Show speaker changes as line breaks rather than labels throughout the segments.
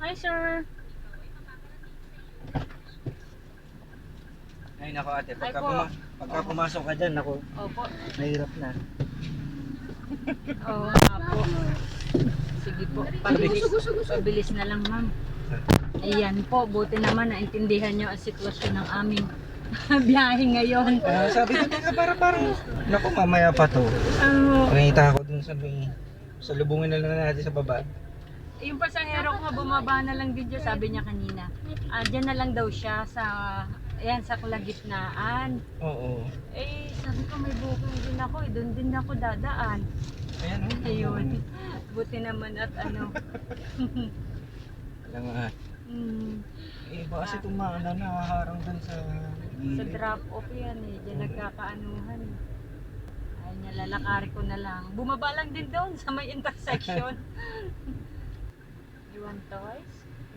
Hi, sir.
Ay nako ate,
Ay po.
pagka pumasok ka dyan, nako,
Opo.
mahirap na.
Oo nga po. Sige po. Pabilis na lang, ma'am. Ayan po. Buti naman naintindihan nyo ang sitwasyon ng aming biyahe ngayon.
Sabi ko, teka, parang, nako, mamaya pa to. Nakita ako dun sa may, salubungin na lang natin sa baba.
Yung pasahero ko nga bumaba na lang din dyan, sabi niya kanina. Dyan na lang daw siya sa, ayan, sa kalagitnaan.
Oo.
Eh, sabi ko may booking din ako, doon din ako dadaan.
Ayan, oh.
Ayun. Buti naman at ano.
Alam nga. Eh, baka kasi itong mga nakaharang dun sa
Sa
gilid.
drop off yan eh, dyan nagkakaanuhan. Ay niya, lalakari ko na lang. Bumaba lang din doon sa may intersection. You want toys?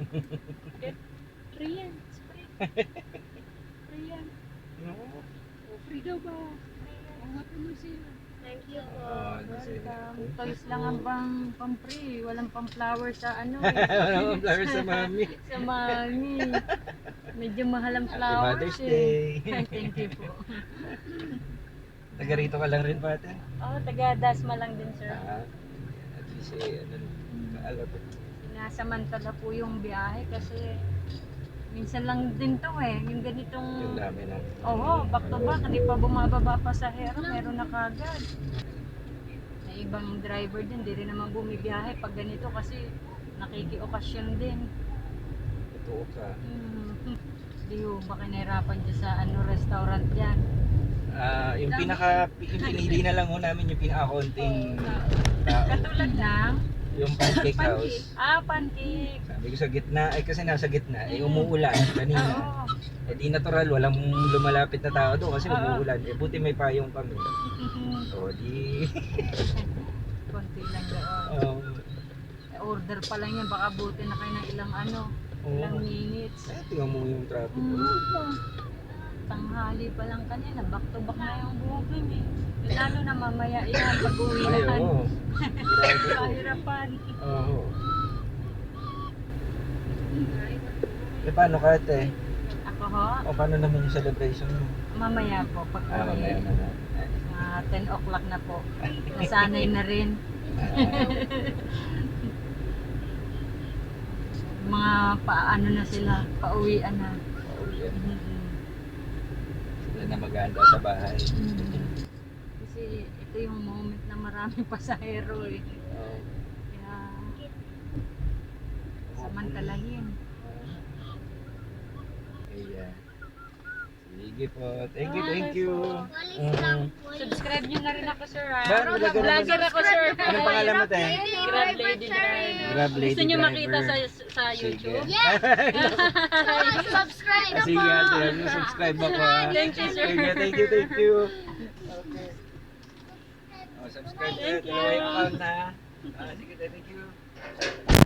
Free yan, it's free. Free yan.
No?
Free daw ba? Happy New Zealand. Thank you po. Welcome. Toys lang ang pang-free. Walang pang-flower sa ano eh.
Walang flower sa mami.
Sa mami. Medyo mahal ang
Happy
flowers
Mother's
eh.
Day.
Ay, thank you po.
Taga rito ka lang rin, pate?
Oh, taga Dasma lang din, sir.
At least eh, ano, alam ko.
Sinasamantala po yung biyahe kasi minsan lang din to eh. Yung ganitong...
Yung dami na.
Oo, back to back. Hindi pa bumababa pa sa hero. Meron na kagad. May ibang driver din. Di rin naman bumibiyahe pag ganito kasi nakiki-okasyon din.
Totoo ka.
Di ho, baka nahirapan dyan sa ano, restaurant dyan.
Yung pinili na lang ho namin yung pinaka-konting tao.
Katulad ng
Yung pancake house.
pancake.
Sabi ko sa gitna, ay kasi nasa gitna, eh umuulan kanina.
Oo.
Eh di natural, walang lumalapit na tao doon kasi umuulan. Eh buti may payong kami. O di...
Konti lang doon. Order pa lang yan, baka buti na kayo ng ilang ano, ilang minutes.
Eh, tingnan mo yung traffic.
Tanghali pa lang kanina, back to back na yung booking eh. Lalo na mamaya yan, pag-uwi
Ay,
na.
oo.
Kahirapan.
Oo. Eh, paano ka ate?
Ako ho,
O paano naman yung celebration mo?
mamaya po, pag-uwi.
Mamaya na na.
10 o'clock na po. Nasanay na rin. Mga paano na sila, pauwian na.
Sila na mag-aanda sa bahay.
Kasi ito yung moment na maraming pasahero eh.
Oo.
Kaya samantalahin.
Ayan. Sige po. Thank you.
Subscribe nyo na rin ako, sir. Ha?
Ba,
Vlogger ako, sir.
Anong pangalan mo, te?
Grab Lady Driver.
Grab Lady
Gusto nyo
Driver.
makita sa YouTube?
Yes!
Subscribe
Sige ate, subscribe ako ha.
Thank you, sir.
Sige, thank you. Okay. Subscribe
Thank
tayo.
you.
Account na. Sige, thank you.